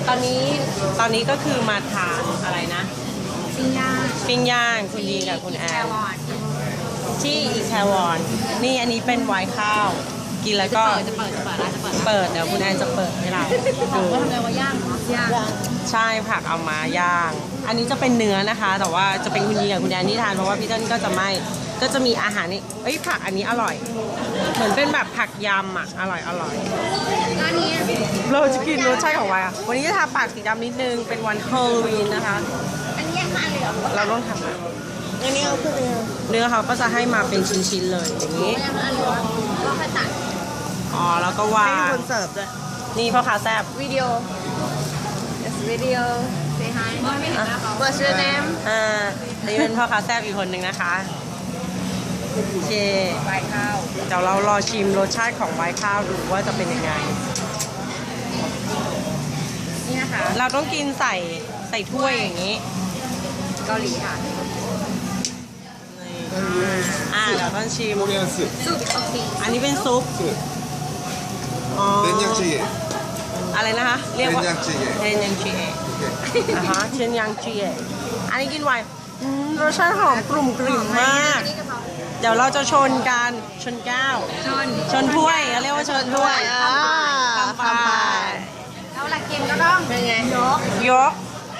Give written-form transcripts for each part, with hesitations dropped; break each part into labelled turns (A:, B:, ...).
A: ตอนนี้ก็คือมาทานอะไรนะปิ้งย่างคุณดีกับคุณแอนที่อีแควอนนี่อันนี้เป็นไวน์ข้าวกินแล้วก็จะเปิดเดี๋ยวคุณแอนจะเปิดให้เราดูว่าทำอะไรว่าย่างใช่ผักเอามาย่างอันนี้จะเป็นเนื้อนะคะแต่ว่าจะเป็นคุณดีกับคุณแอนที่ทานเพราะว่าพี่เติ้ลก็จะไม่ก็จะมีอาหารนี่ผักอันนี้อร่อยเหมือนเป็นแบบผักยำอ่ะอร่อยอันนี้เราจะกินรสชาติของไวน์อ่ะวันนี้จะทาปากสีดำนิดนึงเป็นวันฮาโลวีนนะคะอันนี้ยังเหลือเราต้องทำอ่ะอันนี้เอาคือเนื้อเขาก็จะให้มาเป็นชิ้นๆเลยอย่างนี้ก็ค่อยตัดแล้วก็วางให้คนเสิร์ฟด้วยนี่พ่อค้าแซ่บวิดีโอ say hi what's your name นี่เป็นพ่อค้าแซ่บอีกคนหนึ่งนะคะโอเคไวน์ข้าวเดี๋ยวเรารอชิมรสชาติของไวน์ข้าวดูว่าจะเป็นยังไงนี่นะคะเราต้องกินใส่ถ้วยอย่างนี้เกาหลีค่ะเดี๋ยวต้องชิมซุปอันนี้เป็นซุปอะไรนะคะเรียกว่าเทนยังจีเอะเทนยังจีเอะอันนี้กินไวน์รสชาติหอมกลุ่มกลิ่นมากเดี๋ยวเราจะชนกันชนแก้วชนถ้วยเขาเรียกว่าชนถ้วยทำไปแล้วเวลากินก็ต้องเป็นไงยก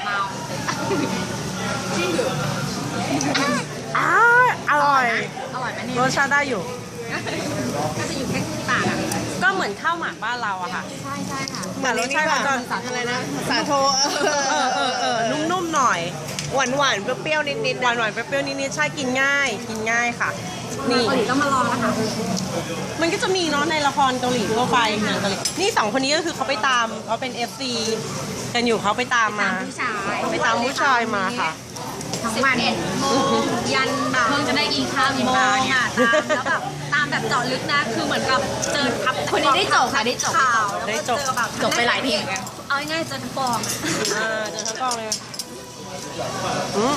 A: อร่อยไหมเนี่ยรสชาติได้อยู่ก็จะอยู่แค่ที่ปากอ่ะก็เหมือนข้าวหมากบ้านเราอะค่ะใช่ค่ะแต่รสชาติมันจะอะไรนะสาโทนุ่มๆหน่อยหวานเปรี้ยวนิดหวานเปรี้ยวนิดใช่กินง่ายค่ะนี่เกาหลีต้องมาลองนะคะมันก็จะมีเนาะในละครเกาหลีทั่วไปหนังเกาหลีนี่2คนนี้ก็คือเขาไปตามเขาเป็น FC กันอยู่เขาไปตามมาไปตามผู้ชายมาค่ะทั้งวัน11 โมงยันแบบเพิ่งจะได้กินข้าวกินปลาเนี่ยแล้วแบบตามแบบเจาะลึกนะคือเหมือนกับเจอทับคนนี้ได้จบค่ะได้จบข่าวได้จบแบบจบไปหลายเพลงกันเอาง่ายๆเจอทั้งกองเจอทั้งกองเลย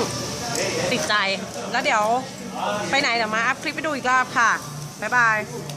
A: ติดใจแล้วเดี๋ยวไปไหนเดี๋ยวมาอัพคลิปไปดูอีกรอบค่ะบ๊ายบาย